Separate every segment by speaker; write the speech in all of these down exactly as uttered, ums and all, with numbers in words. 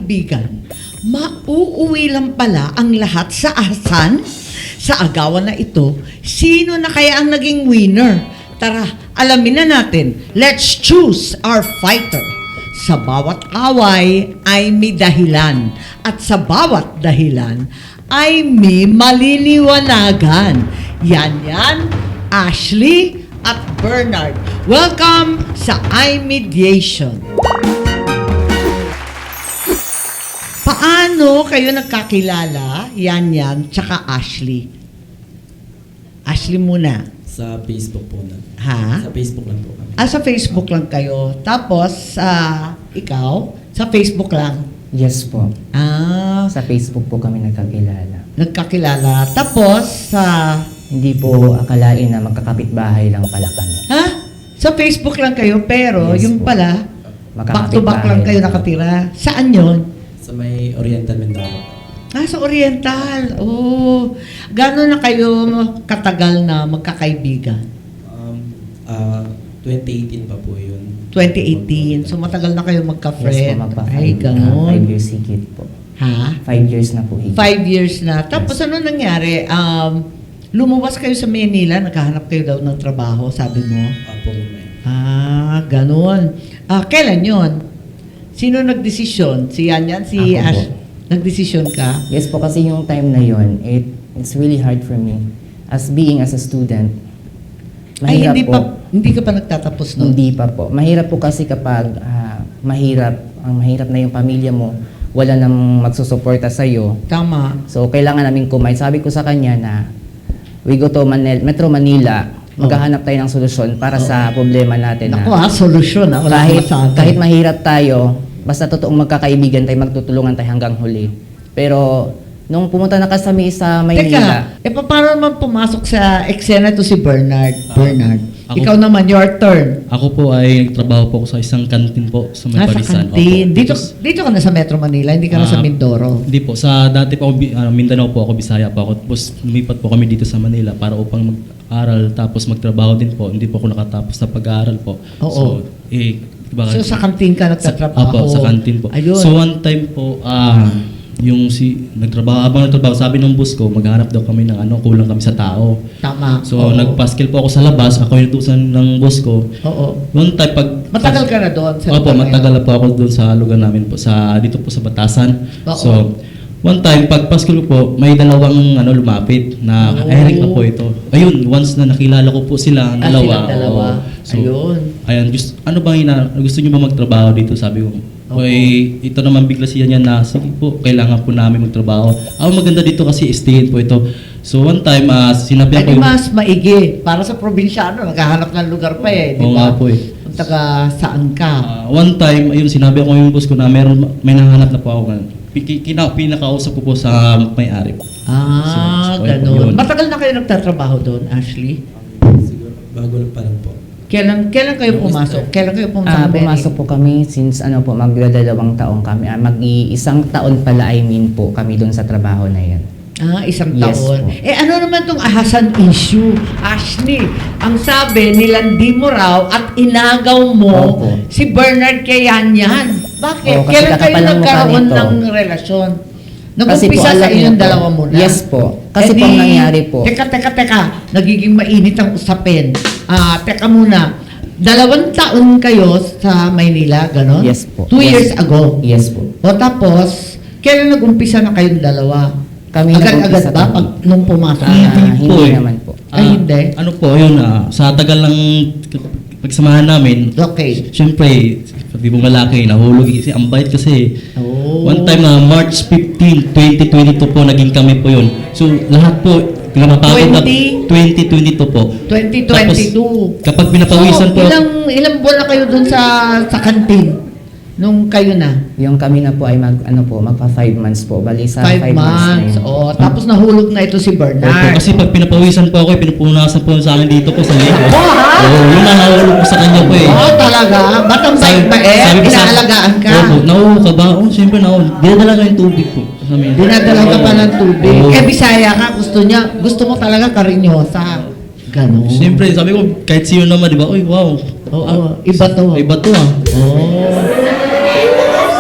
Speaker 1: kaibigan, mauuwi lang pala ang lahat sa asan? Sa agawan na ito, sino na kaya ang naging winner? Tara, alamin na natin. Let's choose our fighter. Sa bawat away ay may dahilan. At sa bawat dahilan ay may maliliwanagan. Yan yan, Ashley at Bernard. Welcome sa iMediation. Paano kayo nagkakilala? Yan yan, tsaka Ashley. Ashley muna.
Speaker 2: Sa Facebook po na.
Speaker 1: Ha?
Speaker 2: Sa Facebook lang po kami.
Speaker 1: Ah, sa Facebook lang kayo. Tapos, ah, ikaw, sa Facebook lang.
Speaker 3: Yes po.
Speaker 1: Ah,
Speaker 3: Sa Facebook po kami nagkakilala.
Speaker 1: nagkakilala. Tapos, sa,
Speaker 3: Hindi po akalain na magkakapitbahay lang pala kami.
Speaker 1: ha? Sa Facebook lang kayo, pero
Speaker 3: Yes
Speaker 1: yung
Speaker 3: po.
Speaker 1: pala, back to back lang
Speaker 3: Magkakapitbahay
Speaker 1: kayo
Speaker 3: lang.
Speaker 1: nakatira. Saan yon?
Speaker 2: Sa may Oriental Mindoro.
Speaker 1: Ah, sa Oriental. Oh, gano'n na kayo katagal na magkakaibigan?
Speaker 2: Um, ah, twenty eighteen pa po yun.
Speaker 1: twenty eighteen. So, matagal na kayo
Speaker 3: Yes po,
Speaker 1: magka-friend.
Speaker 3: magpa
Speaker 1: Ay,
Speaker 3: five,
Speaker 1: gano'n.
Speaker 3: five years higit po.
Speaker 1: Ha?
Speaker 3: Five years na po higit.
Speaker 1: Five years na. Tapos ano nangyari? Um, lumuwas kayo sa Manila, naghahanap kayo daw ng trabaho, sabi mo?
Speaker 2: Apo may.
Speaker 1: Ah, ganun. Ah, kailan yon? Sino nagdesisyon? Si Yan Yan? Si
Speaker 3: Ako po.
Speaker 1: Ash? Nagdesisyon ka?
Speaker 3: Yes po, kasi yung time na yon, it, it's really hard for me. As being as a student,
Speaker 1: Ay,
Speaker 3: mahirap
Speaker 1: hindi
Speaker 3: po.
Speaker 1: pa, hindi ka pa nagtatapos nun?
Speaker 3: Hindi pa po. Mahirap po kasi kapag ah, mahirap, ang mahirap na yung pamilya mo, wala nang magsusuporta sa'yo.
Speaker 1: Tama.
Speaker 3: So, kailangan namin kumain. Sabi ko sa kanya na we go to Manil- Metro Manila, maghahanap tayo ng solusyon para sa problema natin.
Speaker 1: Naku
Speaker 3: Na
Speaker 1: ha, solusyon ha. Wala
Speaker 3: kahit,
Speaker 1: akong masabi.
Speaker 3: kahit mahirap tayo, basta totoong magkakaibigan tayo, magtutulungan tayo hanggang huli. Pero, nung pumunta na kami sa Maynila,
Speaker 1: Teka, e paano naman pumasok sa eksena to si Bernard?
Speaker 4: Ah,
Speaker 1: Bernard,
Speaker 4: ako-
Speaker 1: ikaw naman, your turn.
Speaker 4: Ako po ay nagtrabaho po ako sa isang kantin po sa may
Speaker 1: Ah, sa
Speaker 4: Parisan.
Speaker 1: kantin.
Speaker 4: Opo.
Speaker 1: Dito,
Speaker 4: Tapos,
Speaker 1: dito ka na sa Metro Manila, hindi ka na sa
Speaker 4: ah,
Speaker 1: Mindoro.
Speaker 4: Hindi po. Sa dati po ako, Bi- ah, Mindanao po ako, Bisaya po ako. Tapos lumipat po kami dito sa Manila para upang mag-aral tapos magtrabaho din po. Hindi po ako nakatapos sa pag-aaral po.
Speaker 1: Oo.
Speaker 4: So, eh, diba,
Speaker 1: So sa kantin ka nagtatrabaho?
Speaker 4: Opo, sa kantin po.
Speaker 1: Ayun.
Speaker 4: So one time po, ah, yung si nagtrabaho, habang nagtrabaho, sabi ng boss ko, maghanap daw kami ng ano, kulang kami sa tao.
Speaker 1: Tama.
Speaker 4: So
Speaker 1: Oo.
Speaker 4: nagpaskil po ako sa labas, ako yung tusan ng boss ko.
Speaker 1: Oo.
Speaker 4: One time pag
Speaker 1: Matagal ka na doon? Sa
Speaker 4: Opo,
Speaker 1: lugar na
Speaker 4: matagal
Speaker 1: yun?
Speaker 4: na po ako doon sa lugar namin po, sa dito po sa Batasan.
Speaker 1: Oo.
Speaker 4: So, one time, pag Pasko po, may dalawang ano lumapit na
Speaker 1: Oo.
Speaker 4: Eric na po ito. Ayun, once na nakilala ko po sila, ang
Speaker 1: Ah,
Speaker 4: dalawa.
Speaker 1: silang dalawa.
Speaker 4: oo. So,
Speaker 1: Ayun.
Speaker 4: Ayan, gusto, ano bang ina, gusto niyo ba magtrabaho dito? Sabi ko.
Speaker 1: Oo.
Speaker 4: Okay, ito naman bigla siya niya na, sige po, kailangan po namin magtrabaho. Ang maganda dito kasi stayin po ito. So one time, uh, sinabi
Speaker 1: Ay,
Speaker 4: ako
Speaker 1: di
Speaker 4: yung-
Speaker 1: mas maigi. Para sa probinsyano, naghahanap ng lugar pa eh. Di
Speaker 4: Oo
Speaker 1: ba?
Speaker 4: nga po eh.
Speaker 1: Kung taga saan ka.
Speaker 4: Ah, one time, ayun, sinabi ko yung boss ko na meron, may nahanap na po ako. Piki- Kina, pinakausap ko po sa may-ari.
Speaker 1: Ah,
Speaker 4: So, so,
Speaker 1: ganun.
Speaker 4: yun.
Speaker 1: Matagal na kayo nagtatrabaho doon, Ashley?
Speaker 2: Siguro, bago lang pa lang po.
Speaker 1: Kailan, kailan kayo
Speaker 2: Yung
Speaker 1: pumasok?
Speaker 2: start.
Speaker 1: Kailan kayo pumasok?
Speaker 3: ah,
Speaker 1: sa
Speaker 3: pumasok po kami since ano po, magdadalawang taon kami. Ah, mag-iisang taon pala, I mean po, kami doon sa trabaho na yan.
Speaker 1: Ah, isang
Speaker 3: Yes
Speaker 1: taon.
Speaker 3: po.
Speaker 1: Eh ano naman tong ahasan issue? Ashley, ang sabi, nilandi mo raw at inagaw mo
Speaker 3: Opo.
Speaker 1: si Bernard kay Yan Yan. Bakit?
Speaker 3: Oo, kasi
Speaker 1: Kailan kayo
Speaker 3: kakapalang mukha
Speaker 1: nagkaroon
Speaker 3: nito.
Speaker 1: ng relasyon?
Speaker 3: Kasi
Speaker 1: Nag-umpisa
Speaker 3: po,
Speaker 1: sa
Speaker 3: alam niyo
Speaker 1: inyong
Speaker 3: po.
Speaker 1: dalawa muna?
Speaker 3: Yes po. Kasi
Speaker 1: Eh
Speaker 3: po ang
Speaker 1: di-
Speaker 3: nangyari po.
Speaker 1: Teka, teka, teka. Nagiging mainit ang usapin. Ah, teka muna. Dalawang taon kayo sa Maynila, gano'n?
Speaker 3: Yes po.
Speaker 1: Two
Speaker 3: Yes.
Speaker 1: years ago.
Speaker 3: Yes po.
Speaker 1: O tapos, kailan nag-umpisa na kayong dalawa?
Speaker 3: Kami
Speaker 1: Agad-agad
Speaker 3: nag-umpisa
Speaker 1: ba
Speaker 3: kami.
Speaker 1: pag nung pumasok?
Speaker 3: Ah,
Speaker 4: Hindi po
Speaker 3: hindi
Speaker 4: eh.
Speaker 3: naman po.
Speaker 1: Ay,
Speaker 4: Ah,
Speaker 1: hindi.
Speaker 4: Ano po, yun, ah, sa tagal ng pagsamahan namin,
Speaker 1: Okay.
Speaker 4: siyempre, sabi mong lalaki, nahulog kasi ang bait kasi.
Speaker 1: Oh.
Speaker 4: One time na March fifteenth, twenty twenty-two po, naging kami po yun. So, lahat po, pinapapagod na
Speaker 1: twenty?
Speaker 4: twenty twenty-two po.
Speaker 1: twenty twenty-two.
Speaker 4: Tapos, kapag pinapawisan
Speaker 1: So,
Speaker 4: po,
Speaker 1: ilang, ilang buwan na kayo dun sa, sa kantin? Nung kayo na?
Speaker 3: Yung kami na po ay mag, ano po, magpa five months po. Bali sa
Speaker 1: Five,
Speaker 3: five,
Speaker 1: months.
Speaker 3: na yun.
Speaker 1: Oh, tapos nahulog na ito si
Speaker 4: Opo,
Speaker 1: Bernard.
Speaker 4: kasi pag pinapawisan po ako, eh, pinupunasan po sa akin dito po sa likod.
Speaker 1: Oh, ha?
Speaker 4: Oo, yun na nahulog po sa kanya po eh.
Speaker 1: Oh, talaga? Ba't ang bait-bait?
Speaker 4: sabi ko sa-
Speaker 1: Inaalagaan ka?
Speaker 4: Opo, nauho ka ba? Oo, siyempre nauho. Dinadala ko yung tubig po. Sa amin.
Speaker 1: Dinadala ka pa ng tubig.
Speaker 4: Oo.
Speaker 1: Eh, Bisaya ka. Gusto niya, gusto mo talaga karinyosa. Ganon.
Speaker 4: Siyempre, sabi ko, kahit sino naman, di ba? Uy, wow.
Speaker 1: Oo, iba to.
Speaker 4: Iba to ah.
Speaker 1: Oh.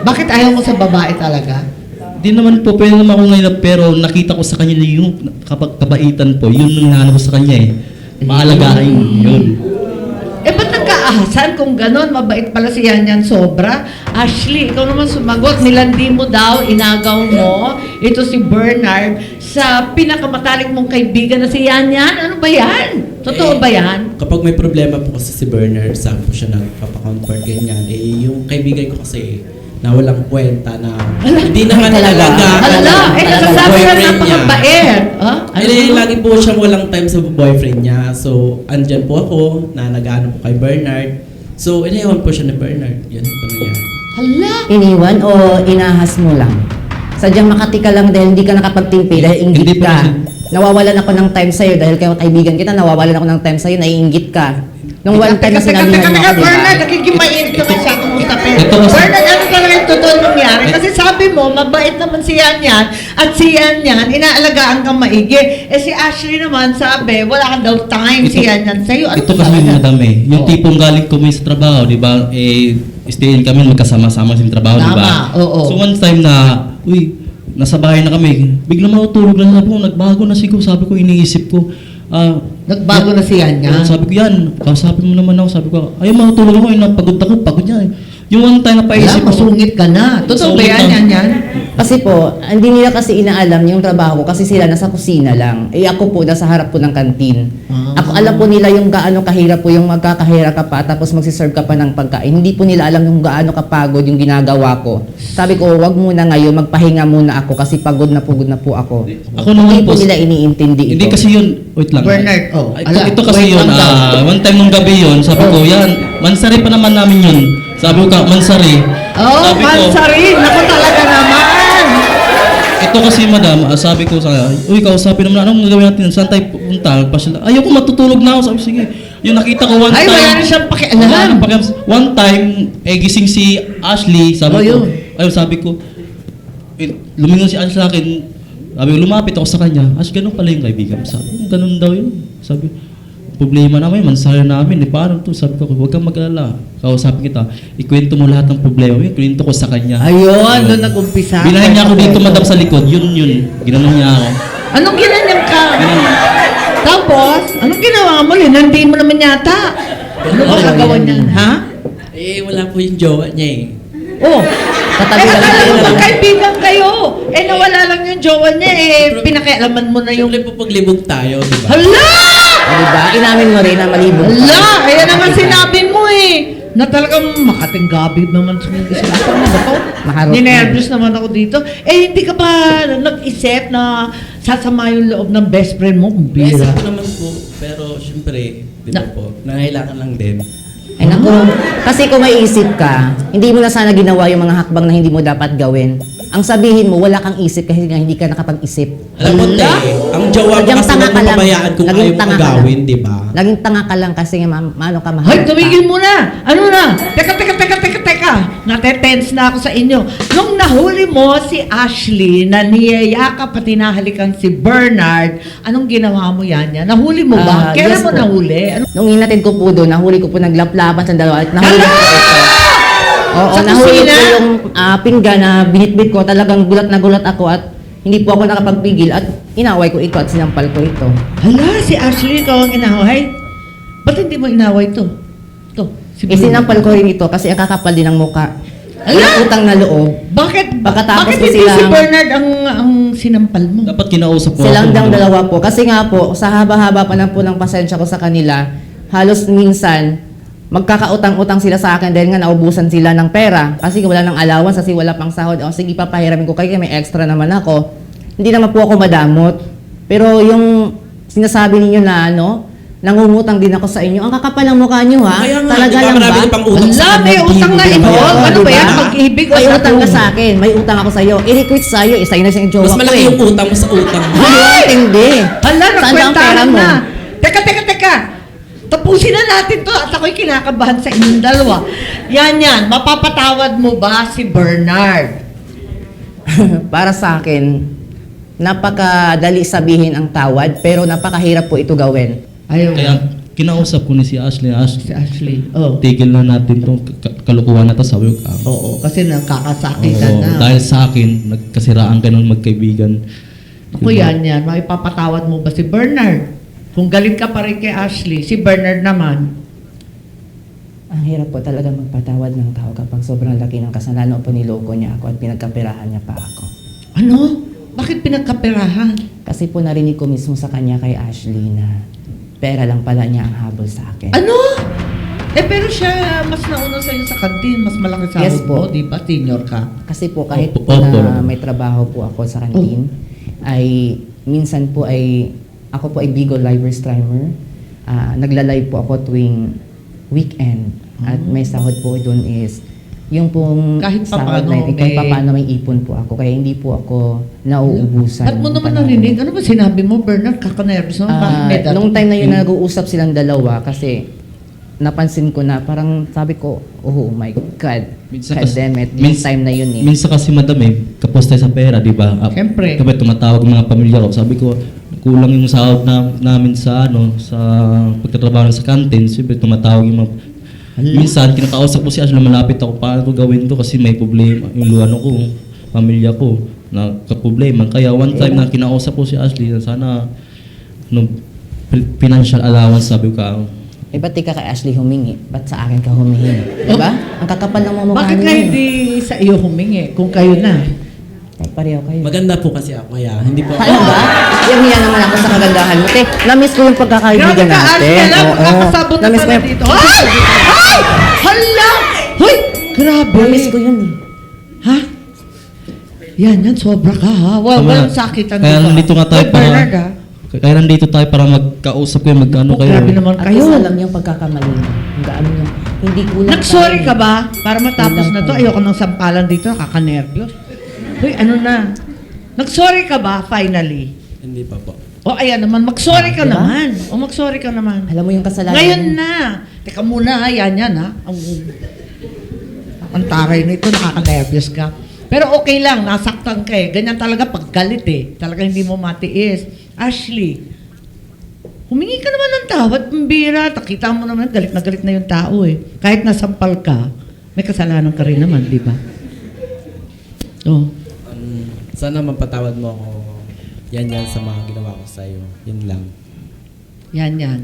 Speaker 1: Bakit ayaw mo sa babae talaga?
Speaker 4: Di naman po, pwede naman ako ngayon, pero nakita ko sa kanya na yung kapag kabaitan po, yun ang hinahanap ko sa kanya eh. Maalagaan yun.
Speaker 1: Eh, ba't nagkaahasan kung ganon? Mabait pala si Yan Yan sobra. Ashley, ikaw naman sumagot. Nilandi mo daw, inagaw mo. Ito si Bernard sa pinakamatalik mong kaibigan na si Yan Yan. Ano ba yan? Totoo
Speaker 2: Eh,
Speaker 1: ba yan?
Speaker 2: Kapag may problema po kasi si Bernard, saan po siya nagpapacomfort ganyan. Eh, yung kaibigan ko kasi na walang kwenta na hindi naman
Speaker 3: Talaga?
Speaker 2: talaga.
Speaker 1: Hala, eh, nasasabi na napakabait. Ah? Ano
Speaker 2: Eh,
Speaker 1: ba?
Speaker 2: lagi po siyang walang time sa boyfriend niya. So, andyan po ako na nag-ano po kay Bernard. So, iniwan po siya ni Bernard. Yan po nangyari.
Speaker 1: Hala.
Speaker 3: Iniwan o inahas mo lang? Sadyang makati ka lang dahil hindi ka nakapagtimpi, dahil
Speaker 4: Hindi
Speaker 3: inggit
Speaker 4: po
Speaker 3: ka.
Speaker 4: kasi-
Speaker 3: Nawawalan ako ng time sa'yo dahil kayo kaibigan kita, nawawalan ako ng time sa'yo, naiinggit ka. Nung one time na
Speaker 1: Teka, teka,
Speaker 3: sinabihan
Speaker 1: teka,
Speaker 3: mo ako, di ba?
Speaker 1: Bernard, nagiging mainit naman siya kung usapin.
Speaker 4: Ito kasi-
Speaker 1: Bernard, ano talaga yung totoo nangyari? Kasi sabi mo, mabait naman si Yan Yan, at si Yan Yan, inaalagaan kang maigi. Eh si Ashley naman, sabi, wala kang daw time si Yan Yan sa'yo. Ano
Speaker 4: Ito kasi
Speaker 1: talaga?
Speaker 4: yung madam eh. Yung
Speaker 1: Oh.
Speaker 4: tipong galing ko sa trabaho, di ba? Eh, stayin kami magkasama-sama sa trabaho, di ba?
Speaker 1: Tama, oo.
Speaker 4: So one time na, uy, nasa bahay na kami, biglang matutulog lang. Sabi ko, nagbago na siguro. Sabi ko, iniisip ko, ah,
Speaker 1: Nagbago na si Yan Yan.
Speaker 4: Oo, sabi ko yan, kausapin mo naman ako. Sabi ko, ayaw matutulog ako, yun, pagod ako, pagod yan. Yung one time na
Speaker 1: Wala,
Speaker 4: paisip ko,
Speaker 1: masungit ka na. Totoo ba
Speaker 4: Masungit
Speaker 1: yan,
Speaker 4: na.
Speaker 1: Yan Yan?
Speaker 3: Kasi po, hindi nila kasi inaalam yung trabaho ko kasi sila nasa kusina lang. Eh ako po, nasa harap po ng kantin.
Speaker 1: Ah.
Speaker 3: Ako alam po nila yung gaano kahirap po yung magkakahira ka pa tapos magsiserve ka pa ng pagkain. Hindi po nila alam yung gaano kapagod yung ginagawa ko. Sabi ko, wag muna ngayon, magpahinga muna ako kasi pagod na pagod na po ako.
Speaker 4: Ako naman
Speaker 3: Hindi po
Speaker 4: po,
Speaker 3: nila iniintindi ito.
Speaker 4: hindi kasi yun, wait lang.
Speaker 1: Bernard, oh,
Speaker 4: Ito,
Speaker 1: ala,
Speaker 4: ito kasi
Speaker 1: wait
Speaker 4: yun,
Speaker 1: lang daw.
Speaker 4: ah, one time nung gabi yun, sabi ko,
Speaker 1: Oh.
Speaker 4: yan, Mansari pa naman namin yun. Sabi ko, ka, Mansari.
Speaker 1: Oh,
Speaker 4: sabi ko,
Speaker 1: Mansarin! Ako talaga naman!
Speaker 4: ito kasi madam, ah, sabi ko sa uy, kausapin naman, anong gagawin natin? Saan tayo pupunta? Pa sila, ayaw ko matutulog na ako. Sabi, sige. Yung nakita ko one
Speaker 1: Ay,
Speaker 4: time.
Speaker 1: wala na siyang pakialam.
Speaker 4: Wala nang pakialam. One time, eh, gising si Ashley. Sabi
Speaker 1: Oh,
Speaker 4: ko,
Speaker 1: yun.
Speaker 4: ayun, sabi ko, eh, lumingon si Ashley sa akin. Sabi ko, lumapit ako sa kanya. Ash, ganun pala yung kaibigan. Sabi ko, ganun daw yun. Sabi, problema namin, mansaya namin. Eh, paano to? Sabi ko, huwag kang mag-alala. Kausapin kita, ikwento mo lahat ng problema. Yung kwento ko sa kanya.
Speaker 1: Ayun, doon nag-umpisa.
Speaker 4: Binahin niya ako dito, madam, sa likod. Yun, yun. Ginanon niya ako.
Speaker 1: Anong ginanyang ka?
Speaker 4: Ginanon.
Speaker 1: Tapos, anong ginawa mo? Linandi mo naman yata. Ano ba
Speaker 3: Oo,
Speaker 1: gagawin
Speaker 3: yan.
Speaker 1: niyan, ha?
Speaker 2: Eh, wala po yung jowa niya eh.
Speaker 1: Oh,
Speaker 3: Katabi
Speaker 1: eh,
Speaker 3: lang
Speaker 1: akala
Speaker 3: tayo
Speaker 1: mo
Speaker 3: lang.
Speaker 1: magkaibigan kayo. Eh, nawala lang yung jowa niya, eh, pinakialaman mo na yung...
Speaker 2: Siyempre po paglibog tayo, di ba?
Speaker 1: Hala!
Speaker 3: O, diba? Inamin mo rin na malibog.
Speaker 1: Hala! Ayan naman sinabi mo eh. Na talagang makatinggabi naman sa mga isip. Ano ba to?
Speaker 3: Maharot
Speaker 1: Ninervous naman ako dito. Eh, hindi ka ba nag-isip na sasama yung loob ng best friend mo? Ang
Speaker 2: Yes,
Speaker 1: bira.
Speaker 2: ako naman po. Pero siyempre, di ba
Speaker 1: Na-
Speaker 2: po, nangailangan lang din.
Speaker 3: Ay naku, kasi kung may isip ka, hindi mo na sana ginawa yung mga hakbang na hindi mo dapat gawin. Ang sabihin mo, wala kang isip kasi nga hindi ka nakapag-isip.
Speaker 2: Alam mo, te, ang jowa mo
Speaker 3: Sadyang
Speaker 2: kasi
Speaker 3: tanga
Speaker 2: huwag
Speaker 3: ka
Speaker 2: mo
Speaker 3: lang.
Speaker 2: pabayaan kung
Speaker 3: Naging
Speaker 2: ayaw mo
Speaker 3: tanga ka
Speaker 2: agawin,
Speaker 3: lang.
Speaker 2: di ba?
Speaker 3: Naging tanga ka lang kasi nga ma- maano ka mahal
Speaker 1: Hoy,
Speaker 3: ka.
Speaker 1: tumigil mo na! Ano na? Teka, teka, teka, teka, teka! Natetense na ako sa inyo. Nung nahuli mo si Ashley na niyayakap at hinahalikan si Bernard, anong ginawa mo yan yan? Nahuli mo ba?
Speaker 3: Ah,
Speaker 1: Kailan
Speaker 3: yes
Speaker 1: mo
Speaker 3: po.
Speaker 1: nahuli? Ano?
Speaker 3: Nung inatid ko po doon, nahuli ko po naglaplapan sa dalawa at nahuli
Speaker 1: Hala!
Speaker 3: ko ito. Oo,
Speaker 1: Sa
Speaker 3: nahuli
Speaker 1: kusina?
Speaker 3: ko yung ah, pinggan na binitbit ko. Talagang gulat na gulat ako at hindi po ako nakapagpigil at inaway ko ito at sinampal ko ito.
Speaker 1: Hala, si Ashley ikaw ang inaway? Ba't hindi mo inaway to? To, si
Speaker 3: Eh,
Speaker 1: Bruno.
Speaker 3: sinampal ko rin ito kasi ang kakapal din ng muka.
Speaker 1: Ala!
Speaker 3: Walang utang na loob.
Speaker 1: Bakit?
Speaker 3: Pagkatapos
Speaker 1: bakit
Speaker 3: ko
Speaker 1: hindi si
Speaker 3: silang-
Speaker 1: Bernard ang ang sinampal mo?
Speaker 4: Dapat kinausap mo
Speaker 3: Silang
Speaker 4: ako.
Speaker 3: dang dalawa po. Kasi nga po, sa haba-haba pa lang po ng pasensya ko sa kanila, halos minsan, magkakautang-utang sila sa akin dahil nga naubusan sila ng pera. Kasi wala ng allowance, kasi wala pang sahod. O sige, papahiramin ko kayo, may extra naman ako. Hindi naman po ako madamot. Pero yung sinasabi ninyo na ano, nangungutang din ako sa inyo. Ang kakapal ng mukha nyo ha.
Speaker 2: Kaya nga,
Speaker 3: Talaga
Speaker 2: di ba,
Speaker 3: lang
Speaker 2: marami
Speaker 3: ba?
Speaker 2: na pang utang sa
Speaker 1: Wala, may
Speaker 2: kanya,
Speaker 1: utang
Speaker 2: di
Speaker 1: na
Speaker 2: mo
Speaker 1: ito.
Speaker 2: binabayaran.
Speaker 1: Ano ba
Speaker 3: diba?
Speaker 1: yan? Pag-ibig o
Speaker 3: May
Speaker 1: sa
Speaker 3: utang ka
Speaker 1: utang?
Speaker 3: sa akin. May utang ako sa iyo. I-requit sa iyo. Isa yun na sa jowa
Speaker 2: Mas
Speaker 3: ko
Speaker 2: malaki
Speaker 3: eh.
Speaker 2: yung utang mo sa utang mo.
Speaker 3: Ay, hindi.
Speaker 1: Hala,
Speaker 3: Saan ba ang pera
Speaker 1: nagkwentahan
Speaker 3: mo?
Speaker 1: na. Teka, teka, teka. Tapusin na natin to at ako'y kinakabahan sa inyong dalawa. Yan yan, mapapatawad mo ba si Bernard?
Speaker 3: Para sa akin, napakadali sabihin ang tawad, pero napakahirap po ito gawin.
Speaker 1: Ayaw.
Speaker 4: Kaya, kinausap ko ni si Ashley,
Speaker 1: Si
Speaker 4: Ashley,
Speaker 1: Ashley. Oh.
Speaker 4: tigil na natin tong ka- kalukuhan na to, sabi ko. ah,
Speaker 1: Oo, kasi nakakasakitan
Speaker 4: oo,
Speaker 1: na.
Speaker 4: dahil sa akin, nagkasiraan ka ng magkaibigan.
Speaker 1: Ako yan yan, maipapatawad mo ba si Bernard? Kung galit ka pa rin kay Ashley, si Bernard naman,
Speaker 3: Ang hirap po talaga magpatawad ng tao kapag sobrang laki ng kasalanan o paniloko niya ako at pinagkapirahan niya pa ako.
Speaker 1: ano? Bakit pinagkaperahan?
Speaker 3: Kasi po narinig ko mismo sa kanya kay Ashley na pera lang pala niya ang habol sa akin.
Speaker 1: Ano? Eh pero siya mas nauna sa'yo sa kantin, mas malaki sahod
Speaker 3: Yes po.
Speaker 1: mo, di ba? Senior ka.
Speaker 3: Kasi po kahit
Speaker 4: Opo,
Speaker 3: po
Speaker 4: opo.
Speaker 3: na may trabaho po ako sa kantin, ay minsan po ay ako po ay Bigo Live streamer. Ah, nagla-live po ako tuwing weekend. At may sahod po doon is yung pong
Speaker 1: Kahit
Speaker 3: sahod
Speaker 1: papaano
Speaker 3: na yun, eh, kahit
Speaker 1: may-
Speaker 3: papaano may ipon po ako. Kaya hindi po ako nauubusan.
Speaker 1: At mo
Speaker 3: ng
Speaker 1: naman
Speaker 3: panahon.
Speaker 1: narinig, ano ba sinabi mo, Bernard? Kakanervous naman. Bakit
Speaker 3: Ah,
Speaker 1: may dato?
Speaker 3: nung time na yun nag-uusap silang dalawa kasi napansin ko na parang sabi ko, oh my God,
Speaker 4: Minsan
Speaker 3: God
Speaker 4: kasi-
Speaker 3: damn it, yung
Speaker 4: mins-
Speaker 3: time na yun eh.
Speaker 4: Minsan kasi madam eh, kapos tayo sa pera, di ba? Ah,
Speaker 1: Siyempre.
Speaker 4: Kapag tumatawag ang mga pamilya ko, sabi ko, kulang yung sahod na, namin sa ano, sa pagtatrabaho sa kantin, siyempre tumatawag yung mga... Minsan, kinakausap ko si Ashley, malapit ako, paano ko gawin to kasi may problema, yung luano ko, pamilya ko, na kaproblema. Kaya one time na kinausap ko si Ashley, na sana, no, financial allowance, sabi ko, ah,
Speaker 3: Eh, ba't di ka kay Ashley humingi? Ba't sa akin ka humihingi? Diba? Ang kakapal ng mga mukha
Speaker 1: Bakit
Speaker 3: niyo
Speaker 1: nga
Speaker 3: eh.
Speaker 1: hindi sa iyo humingi kung kayo na?
Speaker 3: Kahit pareho kayo.
Speaker 2: Maganda po kasi ako, kaya hindi po
Speaker 3: Ano ba? Yung hiya naman ako sa kagandahan mo. Te, na-miss ko yung pagkakaibigan
Speaker 1: Grabe ka,
Speaker 3: natin.
Speaker 1: Ashley, alam,
Speaker 3: Oo.
Speaker 1: kakasabot na
Speaker 3: Na-miss ko
Speaker 1: pala
Speaker 3: yung...
Speaker 1: dito. Ay! Ay! Hala! Hoy! Grabe.
Speaker 3: Na-miss ko yun eh.
Speaker 1: Ha? Yan, yan, sobra ka ha. Well,
Speaker 4: Tama.
Speaker 1: walang sakitan
Speaker 4: Kaya
Speaker 1: dito.
Speaker 4: nandito nga tayo
Speaker 1: Hoy,
Speaker 4: para-
Speaker 1: Bernard ha?
Speaker 4: kaya nandito tayo para magkausap kayo, magkano
Speaker 1: Oh,
Speaker 4: kayo.
Speaker 1: grabe naman
Speaker 3: At
Speaker 1: kayo.
Speaker 3: least alam niyo yung pagkakamali niyo. Ang gaano niyo. Hindi kulang
Speaker 1: Nag-sorry
Speaker 3: tayo
Speaker 1: ka
Speaker 3: eh.
Speaker 1: ba? Para matapos
Speaker 3: Kulang
Speaker 1: na to.
Speaker 3: tayo.
Speaker 1: Ayoko ng sampalan dito. Nakaka-nervyos. Hoy, ano na? Nag-sorry ka ba finally?
Speaker 2: Hindi pa po.
Speaker 1: O ayan naman, mag-sorry ka
Speaker 3: Diba?
Speaker 1: naman. O mag-sorry ka naman.
Speaker 3: Alam mo yung kasalanan
Speaker 1: Ngayon
Speaker 3: niyo.
Speaker 1: na. Teka muna ha, yan yan ha. Ang, ang taray na ito, nakaka-nervyos ka. Pero okay lang, nasaktan ka eh. Ganyan talaga pag galit eh. Talaga hindi mo matiis. Ashley, humingi ka naman ng tawad, pambira. Takita mo naman, galit na galit na yung tao eh. Kahit nasampal ka, may kasalanan ka rin naman, di ba? Oh.
Speaker 2: Um, sana mapatawad mo ako yan yan sa mga ginawa ko sa'yo. Yun lang.
Speaker 1: Yan, yan.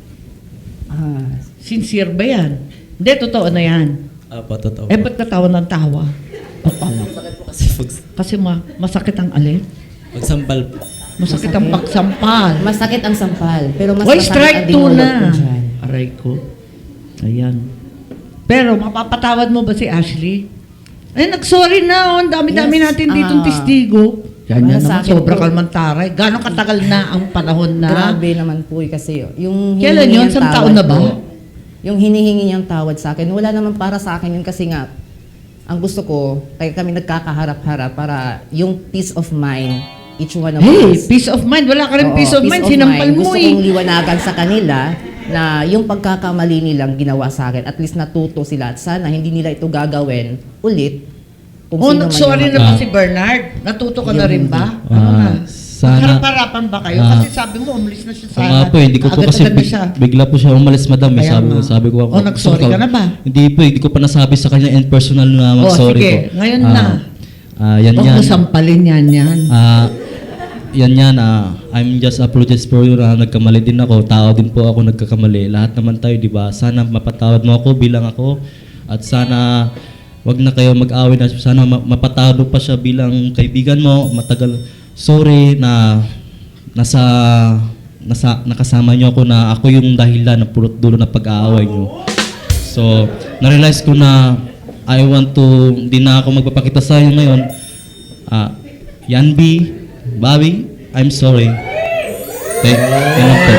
Speaker 3: Ah,
Speaker 1: Sincere ba yan? Hindi, totoo na yan.
Speaker 2: Opo, totoo.
Speaker 1: Eh, ba't natawa ng tawa?
Speaker 2: Sakit po kasi pag,
Speaker 1: Kasi ma masakit ang alin?
Speaker 2: pagsampal po.
Speaker 1: Masakit ang pagsampal.
Speaker 3: masakit ang sampal. Pero mas
Speaker 1: Hoy,
Speaker 3: masakit
Speaker 1: strike
Speaker 3: ang
Speaker 1: two
Speaker 3: dinulot
Speaker 1: na.
Speaker 3: ko dyan.
Speaker 1: Aray ko. Ayan. Pero mapapatawad mo ba si Ashley? Eh, nag-sorry na. Oh. Ang dami-dami
Speaker 3: Yes,
Speaker 1: natin ditong
Speaker 3: ah.
Speaker 1: testigo. Yan yan
Speaker 3: Para sa
Speaker 1: naman.
Speaker 3: akin
Speaker 1: Sobra
Speaker 3: po.
Speaker 1: kalmantaray. Gano'ng katagal na ang panahon na?
Speaker 3: Grabe naman po eh, kasi yung
Speaker 1: Kailan
Speaker 3: hinihingi
Speaker 1: yun?
Speaker 3: niyang
Speaker 1: Isang
Speaker 3: tawad
Speaker 1: taon na ba?
Speaker 3: po, yung hinihingi niyang tawad sa akin, wala naman para sa akin yun kasi nga, ang gusto ko, kaya kami nagkakaharap-harap para yung peace of mind, each one of
Speaker 1: Hey,
Speaker 3: us.
Speaker 1: peace of mind. Wala ka rin
Speaker 3: Oo,
Speaker 1: peace of mind. Sinampal mo
Speaker 3: Gusto
Speaker 1: eh.
Speaker 3: kong liwanagan sa kanila na yung pagkakamali nilang ginawa sa akin, at least natuto sila at sana hindi nila ito gagawin ulit. Kung
Speaker 1: Oh,
Speaker 3: sino man
Speaker 1: nag-sorry
Speaker 3: yung-
Speaker 1: na ba
Speaker 4: Ah.
Speaker 1: si Bernard? Natuto ka na
Speaker 3: Yung-
Speaker 1: rin ba?
Speaker 4: Ah,
Speaker 1: Ano na?
Speaker 4: sana-
Speaker 1: Harap-harapan ba kayo?
Speaker 4: Ah.
Speaker 1: Kasi sabi mo, umalis na siya sa...
Speaker 4: Sa nga po, eh, hindi ko po kasi
Speaker 1: agad-agad na
Speaker 4: big-
Speaker 1: siya.
Speaker 4: bigla po siya umalis, madam. Eh,
Speaker 1: Kaya
Speaker 4: sabi ko,
Speaker 1: nga.
Speaker 4: sabi ko ako.
Speaker 1: Oh, nag-sorry ka na ba?
Speaker 4: Hindi po, eh, hindi ko pa nasabi sa kanya in personal na
Speaker 1: Oh,
Speaker 4: mag-sorry
Speaker 1: sige.
Speaker 4: ko.
Speaker 1: Ngayon
Speaker 4: Ah,
Speaker 1: na.
Speaker 4: ah, yan
Speaker 1: Huwag
Speaker 4: yan.
Speaker 1: mo sampalin yan yan.
Speaker 4: Ah, yan yan, ah, I'm just apologize for you na nagkamali din ako. Tao din po ako nagkakamali. Lahat naman tayo, di ba? Sana mapatawad mo ako bilang ako. At sana wag na kayo mag-away na. Sana ma- mapatawad mo pa siya bilang kaibigan mo. Matagal, sorry na nasa, nasa nakasama niyo ako na ako yung dahilan ng pulot dulo na pag-aaway niyo. So, na-realize ko na I want to, hindi na ako magpapakita sa inyo ngayon. Ah, Yanbi, Bobby, I'm sorry. Okay, yan lang po.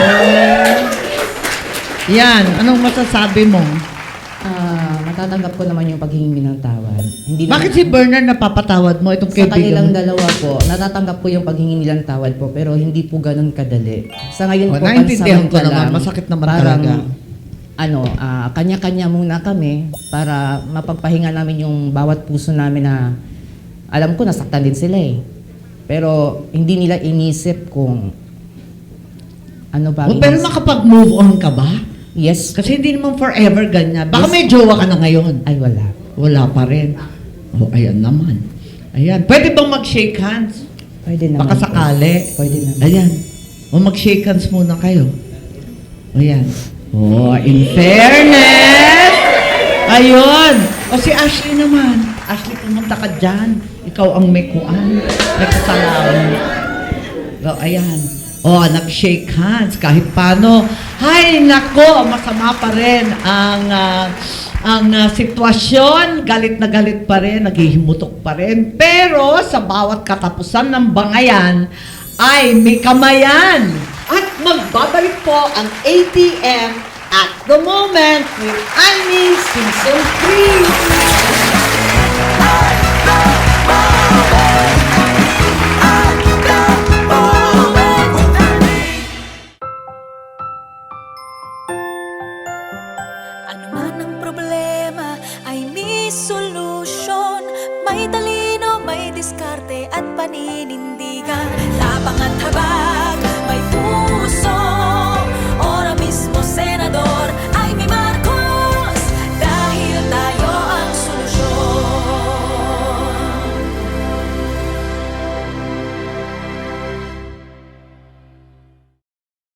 Speaker 1: Yan, anong masasabi mo?
Speaker 3: Ah, matatanggap ko naman yung paghingi ng tawad. Hindi
Speaker 1: Bakit
Speaker 3: naman-
Speaker 1: si Bernard napapatawad mo itong
Speaker 3: Sa
Speaker 1: kaibigan
Speaker 3: kanilang
Speaker 1: mo?
Speaker 3: dalawa po, natatanggap ko yung paghingi nilang tawad po, pero hindi po ganun kadali. Sa ngayon
Speaker 1: Oh,
Speaker 3: po,
Speaker 1: naintindihan ko
Speaker 3: pansamantala,
Speaker 1: naman. Masakit naman
Speaker 3: parang,
Speaker 1: talaga.
Speaker 3: ano, ah, kanya-kanya muna kami para mapagpahinga namin yung bawat puso namin na alam ko nasaktan din sila eh. Pero hindi nila inisip kung Ano ba?
Speaker 1: O, pero makapag-move on ka ba?
Speaker 3: Yes.
Speaker 1: Kasi hindi naman forever ganyan. Baka
Speaker 3: Yes.
Speaker 1: may jowa ka na ngayon.
Speaker 3: Ay, wala.
Speaker 1: Wala pa rin. O, ayan naman. Ayan. Pwede bang mag-shake hands?
Speaker 3: Pwede naman.
Speaker 1: Baka
Speaker 3: po.
Speaker 1: sakali.
Speaker 3: Pwede naman.
Speaker 1: Ayan. O, mag-shake hands muna kayo. Ayan. O, in fairness. Ayun. O, si Ashley naman. Ashley, pumunta ka dyan. Ikaw ang may kuan. May kasalanan. O, ayan. O, nag-shake hands kahit paano. Hay, nako, masama pa rin ang ah, ang ah, sitwasyon. Galit na galit pa rin, naghihimutok pa rin. Pero sa bawat katapusan ng bangayan ay may kamayan. At magbabalik po ang A T M at the moment with Annie Season three.
Speaker 5: Ano man ang problema ay may solusyon. May talino, may diskarte at paninindigan. Tapang at habag